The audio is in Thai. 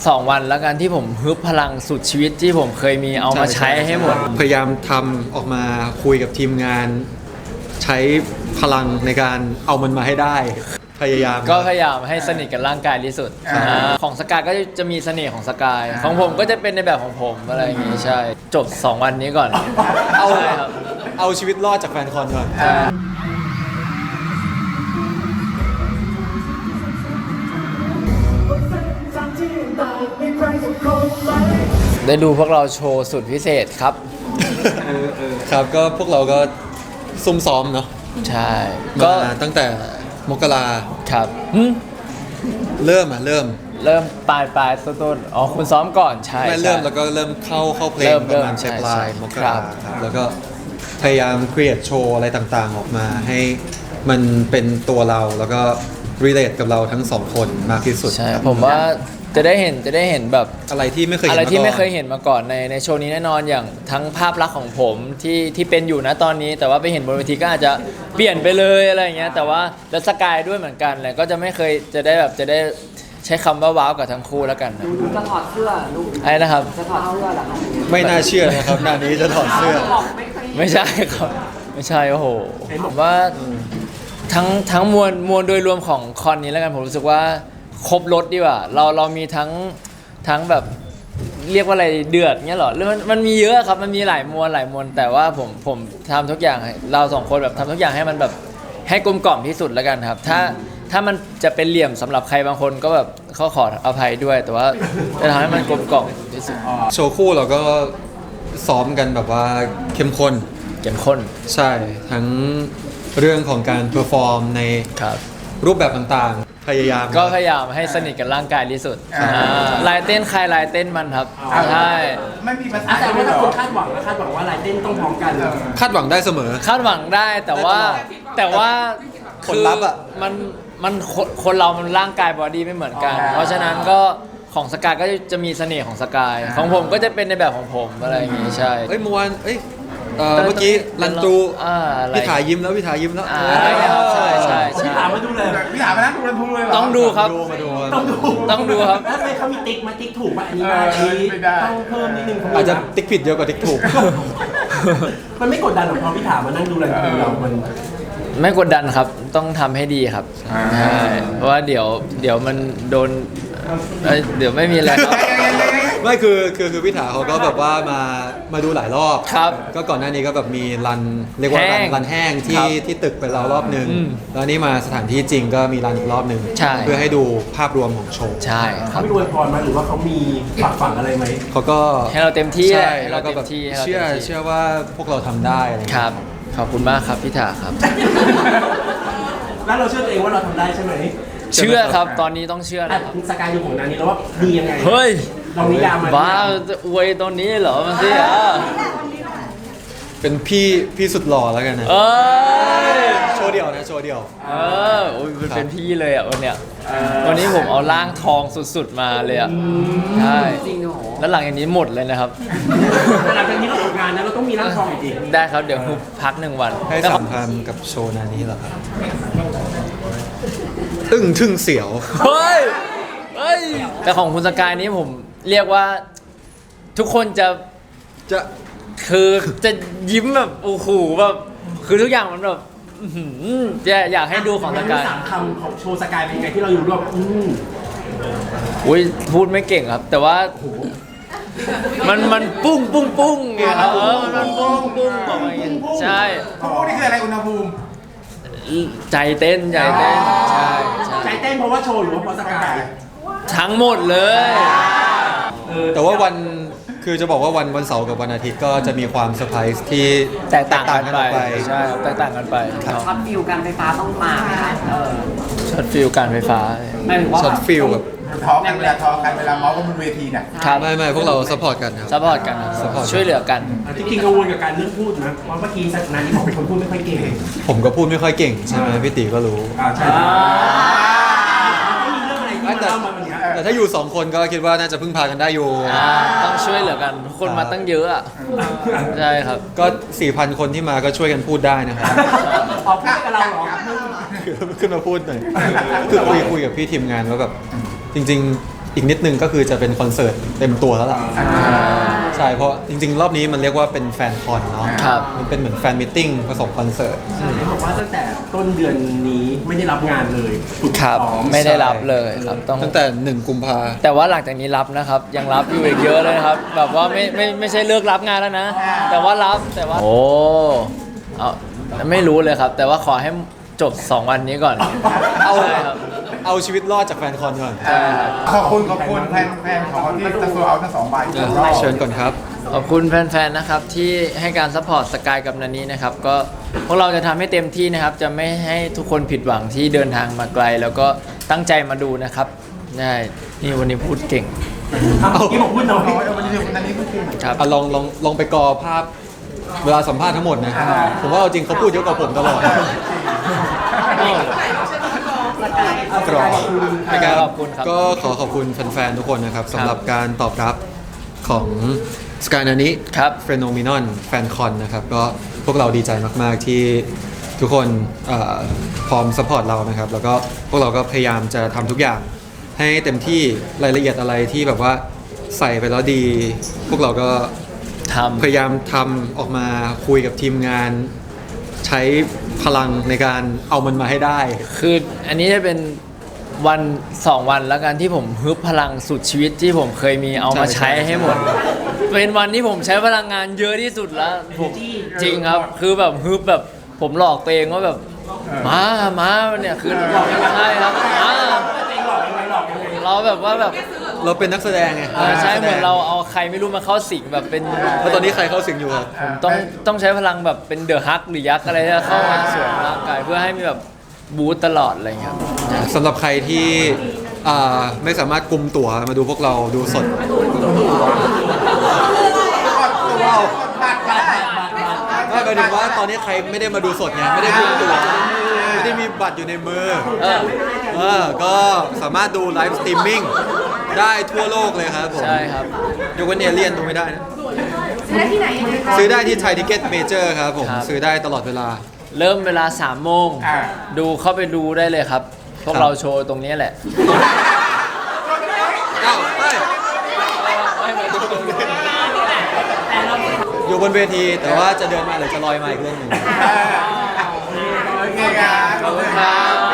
2 วันแล้วกันที่ผมฮึบพลังสุดชีวิตที่ผมเคยมีเอามาใช้ให้หมดพยายามทำออกมาคุยกับทีมงาน ใช้พลังในการเอามันมาให้ได้ พยายามก็พยายามให้สนิทกับร่างกายที่สุดของสกายก็จะมีเสน่ห์ของสกายของผมก็จะเป็นในแบบของผมอะไรอย่างงี้ใช่จบ 2 วันนี้ก่อนเอาใช่ครับเอาชีวิตรอดจากแฟนคอนก่อนได้ดูพวกเราโชว์สุดพิเศษครับครับก็พวกเราก็ซุ่มซ้อมเนาะใช่ก็ก็ตั้งแต่มกราครับเริ่มเริ่มปลายต้นอ๋อคุณซ้อมก่อนใช่ไม่เริ่มใช่แล้วก็เริ่มเข้าเพลเริ่งมประมาณใช่ปลายใช่มกครัราบครับแล้วก็พยายามครีเอทโชว์อะไรต่างๆออกมาให้มันเป็นตัวเราแล้วก็รีเลทกับเราทั้งสองคนมากที่สุดใช่ครับผมว่าจะได้เห็นแบบอะไรที่ไม่เคยเห็นอะไรที่าก่อนไม่เคยเห็นมาก่อนในโชว์นี้แน่นอนอย่างทั้งภาพลักษณ์ของผมที่เป็นอยู่นะตอนนี้ แต่ว่าไปเห็นบนเวทีก็อาจจะเปลี่ยนไปเลยอะไรอย่างเงี้ยแต่ว่าแล้วสกายด้วยเหมือนกันเลยก็จะไม่เคยจะได้ใช้คำว่าว้าวกับทั้งคู่แล้วกันนะดูจะถอดเสื้อลูกไอ้นะครับจะถอดเสื้อเหรอคะไม่น่าเชื่อนะครับหน้านี้จะถอดเสื้อบอกไม่เคยไม่ใช่ครับไม่ใช่โอ้โหผมว่าทั้งมวลโดยรวมของคอนนี้แล้วกันผมรู้สึกว่าครบรถดีกว่าเรามีทั้งแบบเรียกว่าอะไรเดือดเงี้ยเหรอหรือมันมีเยอะครับมันมีหลายมวลแต่ว่าผมทำทุกอย่างให้เราสองคนแบบทำทุกอย่างให้มันแบบให้กลมกล่อมที่สุดแล้วกันครับถ้ามันจะเป็นเหลี่ยมสำหรับใครบางคนก็แบบเขาขออภัยด้วย แต่ว่าจะทำให้มันกลมกล่อมที่สุดโชว์คู่เราก็ซ้อมกันแบบว่าเข้มข้นเข้มข้นใช่ทั้งเรื่องของการเพอร์ฟอร์มในครับรูปแบบต่างๆ พยายามก็พยายามให้สนิทกับร่างกายที่สุดลายเต้นใครลายเต้นมันครับใช่ไม่มีภาษาแต่ด้วยว่าเหรถ้าอคนคาดหวังนะคาดหวังว่าลายเต้นต้องพร้อมกันคาดหวังได้เสมอคาดหวังได้แต่ว่าผลลัพธ์อะมันคนเรามันร่างกายบอดี้ไม่เหมือนกัน เพราะฉะนั้นก็ของสกายก็จะมีเสน่ห์ของสกายของผมก็จะเป็นในแบบของผมอะไรอย่างงี้ใช่เอ้ยเมื่อวานเมื่อกี้รันตูอะไรพี่ถ่ายยิ้มแล้วพี่ถ่ายยิ้มแล้วใช่ใช่พี่ใช่ถามมาดูเลยพี่ถามมานะดูรันทูเลยเหรอต้องดูครับมาดูต้องดูต้องดูครับแล้วทำไมเขามีติ๊กมาติ๊กถูกป่ะอันนี้มาอันนี้ไม่ได้ต้องเพิ่มนิดนึงอาจจะติ๊กผิดเยอะกว่าติ๊กถูกมันไม่กดดันหรอกพอพี่ถามมานั่งดูรันทูเรามันไม่กดดันครับต้องทำให้ดีครับใช่เพราะว่าเดี๋ยวมันโดนเดี๋ยวไม่มีอะไรครับไม่คือพี่ถาเขาก็แบบว่ามาดูหลายรอบครับก็ก่อนหน้านี้ก็แบบมีรันเรียกว่าแห้งรันแห้งครับที่ตึกไปแล้วรอบหนึ่งอืมแล้วนี่มาสถานที่จริงก็มีรันอีกรอบหนึ่งใช่เพื่อให้ดูภาพรวมของโชว์ใช่คเขารับไม่รวยพรมาหรือว่าเขามีฝักฝังอะไรไหมเขาก็ให้เราเต็มที่ใช่ให้แล้เราวก็เต็แบมบที่ให้เราเชื่อเต็มที่เชื่อว่าพวกเราทำได้อะไรอย่างคเงี้ยรับขอบคุณมากครับพี่ถาครับแล้วเราเชื่อตัวเองว่าเราทำได้ใช่ไหมเชื่อครับตอนนี้ต้องเชื่ออ่ะนะครับสกายดูของนานี้แล้วว่าดียังไงเฮ้ยลองนิยามมาบ้าจะอวยตอนนี้เหรอมันสิเป็นพี่สุดหล่อแล้วกันนะเอ้ยโชว์เดี่ยวนะโชว์เดี่ยวโอ้ยเป็นพี่เลยอ่ะวันเนี้ยวันนี้ผมเอาร่างทองสุดๆมาเลยอ่ะใช่จริงเหรอแล้วหลังจากนี้หมดเลยนะครับแต่หลังจากนี้เราทำงานนะเราต้องมีร่างทองจริงได้ครับเดี๋ยวพัก1 วันให้แต่ขสัองมพันธ์กับโชว์นานี้เหรอครับอึ้งทึ่งเสียวเฮ้ยแต่ของคุณสกายนี้ผมเรียกว่าทุกคนจะจะคือจะยิ้มแบบโอ้โหแบบคือทุกอย่างมันแบบอื้อหือจะอยากให้ดูของสกายสามคำของโชว์สกายเป็นยังไงที่เราอยู่รวบอุ้ยพูดไม่เก่งครับ แต่ว่ามันปุ้งไงครับมันปุ้งออกมาอย่างงี้ใช่เขาพูดนี่คืออะไรอุณหภูมิใจเต้นใช่ใจเต้นเพราะว่าโชว์หรือว่าเพราะสกายทั้งหมดเลยแต่ว่าวันคือจะบอกว่าวันเสาร์กับวันอาทิตย์ก็จะมีความเซอร์ไพรส์ที่แตกต่างกันไปออกไปใช่แตกต่างกันไปช็อตฟิวการไฟฟ้าต้องมาไหมคะช็อตฟิลการไฟฟ้าหมายถึงว่าช็อตฟิลแบบทอกันเวลาทอกันเวลาเมาส์กันบนเวทีเนี่ยครับไม่พวกเราซัพพอร์ตกันครับซัพพอร์ตกัน support ช่วยเหลือกันจริงๆกังวลกับการเรื่องพูดนะเพราะเมื่อกี้สักนานี้บอกเป็นคนพูดไม่ค่อยเก่งผมก็พูดไม่ค่อยเก่งใช่ไหมพี่ตีก็รู้ใช่ต้องมีเรื่องอะไรที่มาเล่ามาวันนี้แต่ถ้าอยู่สองคนก็คิดว่าน่าจะพึ่งพากันได้อยู่ต้องช่วยเหลือกันคนมาตั้งเยอะอ่ะใช่ครับก็ 4,000 คนที่มาก็ช่วยกันพูดได้นะครับออกพูดกับเราเหรอขึ้นมาพูดหน่อยคือคุยกับพี่ทีมงานว่าแบบจริงอีกนิดนึงก็คือจะเป็นคอนเสิร์ตเต็มตัวแล้วล่ะใช่เพราะจริงๆรอบนี้มันเรียกว่าเป็นแฟนคอนเนาะครับมันเป็นเหมือนแฟนมิทติ้งผสมคอนเสิร์ตเขาบอกว่าตั้งแต่ต้นเดือนนี้ไม่ได้รับงานเลยฝึกครับซ้อมไม่ได้รับเลยครับต้องตั้งแต่1 กุมภาแต่ว่าหลังจากนี้รับนะครับ ยังรับอยู่อีกเยอะเลยนะครับ แบบว่าไม่ใช่เลิกรับงานแล้วนะ แต่ว่ารับแต่ว่าโอ้เอาไม่รู้เลยครับ แต่ว่าขอให้จบ 2 วันนี้ก่อนเอาใช่ครับเอาชีวิตรอดจากแฟนคอนก่อนขอบคุณแฟนของเขาที่จะโซเอาทั้ง2 ใบเชิญก่อนครับขอบคุณแฟนๆนะครับที่ให้การซัพพอร์ตสกายกับนันนี้นะครับก็พวกเราจะทำให้เต็มที่นะครับ จะไม่ให้ทุกคนผิดหวังที่เดินทางมาไกล แล้วก็ตั้งใจมาดูนะครับใช่นี่วันนี้พูดเก่งเมื่อกี้บอกพูดน้อยวันนี้พูดจริงครับอ่ะลองไปกอภาพเวลาสัมภาษณ์ทั้งหมดนะผมว่าเอาจริงเขาพูดเยอะกว่าผมตลอดกรอบนะครับขอบคุณครับก็ขอขอบคุณแฟนๆทุกคนนะครับสำหรับการตอบรับของสกายนานิครับเฟโนมินอนแฟนคอนนะครับก็พวกเราดีใจมากๆที่ทุกคนพร้อมสปอร์ตเรานะครับแล้วก็พวกเราก็พยายามจะทำทุกอย่างให้เต็มที่รายละเอียดอะไรที่แบบว่าใส่ไปแล้วดี พวกเราก็ทำพยายามทำออกมาคุยกับทีมงาน ใช้พลังในการเอามันมาให้ได้คืออันนี้จะเป็นวัน 2 วันแล้วกันที่ผมฮึบพลังสุดชีวิตที่ผมเคยมีเอามาใช่ใช้ให้หมด เป็นวันที่ผมใช้พลังงานเยอะที่สุดแล้วผมจริงครับ คือแบบฮึบแบบผมหลอกตัวเองว่าแบบมาเนี่ยคือใช่ครับเราแบบว่าแบบเราเป็นนักแสดงไงใช่เหมือนเราเอาใครไม่รู้มาเข้าสิงแบบเป็นแล้วตอนนี้ใครเข้าสิงอยู่ครับต้องใช้พลังแบบเป็นเดอะฮักหรือยักษ์อะไรที่จะเข้ามาสวมร่างกายเพื่อให้มีแบบบูตตลอดอะไรอย่างเงี้ยครับสำหรับใครที่ไม่สามารถกุมตั๋วมาดูพวกเราดูสดบัตรก็ได้ไม่หมายถึงว่าตอนนี้ใครไม่ได้มาดูสดไงไม่ได้กุมตั๋วไม่ได้มีบัตรอยู่ในมือก็สามารถดูไลฟ์สตรีมมิ่งได้ทั่วโลกเลยครับผมใช่ครับยกเว้นเอเลียนดูไม่ได้นะซื้อได้ที่ไหนยังไงคะซื้อได้ที่ไทยทิเก็ตเมเจอร์ครับผมครับซื้อได้ตลอดเวลาเริ่มเวลา 3 โมง ดูเข้าไปดูได้เลยครับ พวกครับเราโชว์ตรงนี้แหละอ้าวเฮ้ยอยู่บนเวทีแต่ว่าจะเดินมาหรือจะลอยมาอีกเรื่องหนึ่งโอเคครับขอบคุณครับ